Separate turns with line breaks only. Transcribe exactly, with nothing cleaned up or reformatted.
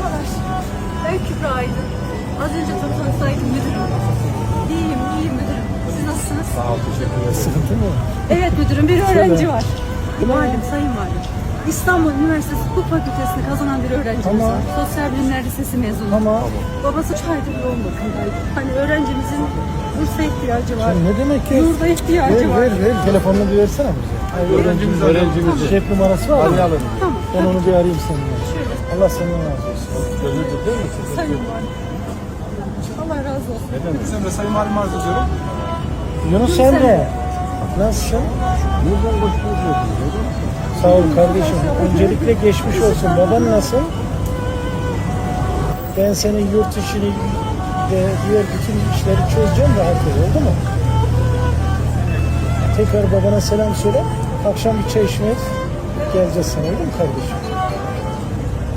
Merhabalar. Ben Kübra Aydın. Az önce toplantıdaydım müdürüm. İyiyim, iyiyim müdürüm. Siz nasılsınız?
Sağ ol, teşekkür ederim.
Sıkıntı mı?
Evet müdürüm, bir öğrenci var.
Kim o?
Valim, sayın valim. İstanbul Üniversitesi Hukuk Fakültesini kazanan bir öğrencimiz
Tamam.
var. Sosyal Bilimler Lisesi mezunu.
Ama
Babası üç aydır yoğun bakımdaydı. Hani öğrencimizin bursa ihtiyacı var.
ne demek ki?
Yurda ihtiyacı
Ver
var.
ver ver. Telefonunu bir versene bize.
Öğrencimiz, öğrencimiz.
Cep numarası var mı?
Arayalım.
Tamam.
Ben onu bir arayayım seninle.
Şöyle,
Allah senden razı olsun.
Gözünüzü değil mi?
sayın valim. Allah razı olsun.
Bizim de sayın valim arz ediyorum.
Yunus Emre. Nasılsın?
Buradan başlıyoruz.
Sağ ol kardeşim. Öncelikle geçmiş olsun. Baban nasıl? Ben senin yurt işini ve diğer bütün işleri çözeceğim, rahat ol. Oldu mu? Tekrar babana selam söyle. Akşam bir çay içmeye geleceğiz sana. Öyle mi kardeşim?